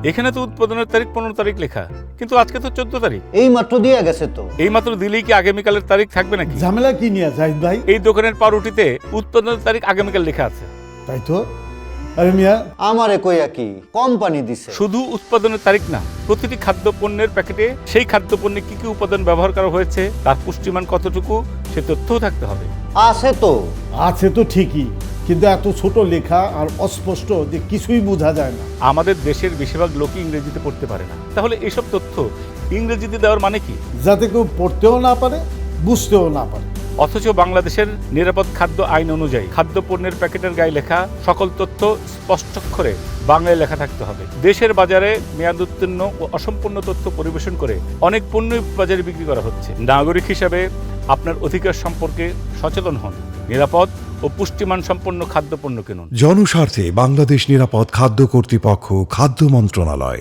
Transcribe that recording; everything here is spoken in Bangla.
এখানে তো উৎপাদনের তারিখ 15 তারিখ লেখা, কিন্তু আজকে তো 14 তারিখ। এই মাত্র দিয়ে গেছে তো। এই মাত্র দিলেই কি আগামীকালের তারিখ থাকবে নাকি? ঝামেলা কি নিয়ে জাহিদ ভাই? এই দোকানের পাউরুটিতে উৎপাদনের তারিখ আগামীকাল লেখা আছে। তাই তো। আরে মিয়া, আমারে কইয়া কি কোম্পানি দিছে? শুধু উৎপাদনের তারিখ না, প্রতিটি খাদ্য পণ্যের প্যাকেটে সেই খাদ্য পণ্যে কি কি উপাদান ব্যবহার করা হয়েছে, তার পুষ্টিমান কতটুকু, সে তথ্যও থাকতে হবে। আছে তো। আছে তো ঠিকই, কিন্তু এত ছোট লেখা আর অস্পষ্ট যে কিছুই বোঝা যায় না। আমাদের দেশের বেশিরভাগ লোকই ইংরেজিতে পড়তে পারে না, তাহলে এসব তথ্য ইংরেজিতে দেওয়ার মানে কি? যাতে কেউ পড়তেও না পারে, বুঝতেও না পারে। অথচ বাংলাদেশের নিরাপদ খাদ্য আইন অনুযায়ী খাদ্য পণ্যের প্যাকেটের গায়ে লেখা সকল তথ্য স্পষ্টাক্ষরে বাংলায় লেখা থাকতে হবে। দেশের বাজারে মেয়াদ উত্তীর্ণ ও অসম্পূর্ণ তথ্য পরিবেশন করে অনেক পণ্যই বাজারে বিক্রি করা হচ্ছে। নাগরিক হিসাবে আপনার অধিকার সম্পর্কে সচেতন হন, নিরাপদ ও পুষ্টিমান সম্পন্ন খাদ্যপণ্য কিনুন। জনস্বার্থে বাংলাদেশ নিরাপদ খাদ্য কর্তৃপক্ষ, খাদ্য মন্ত্রণালয়।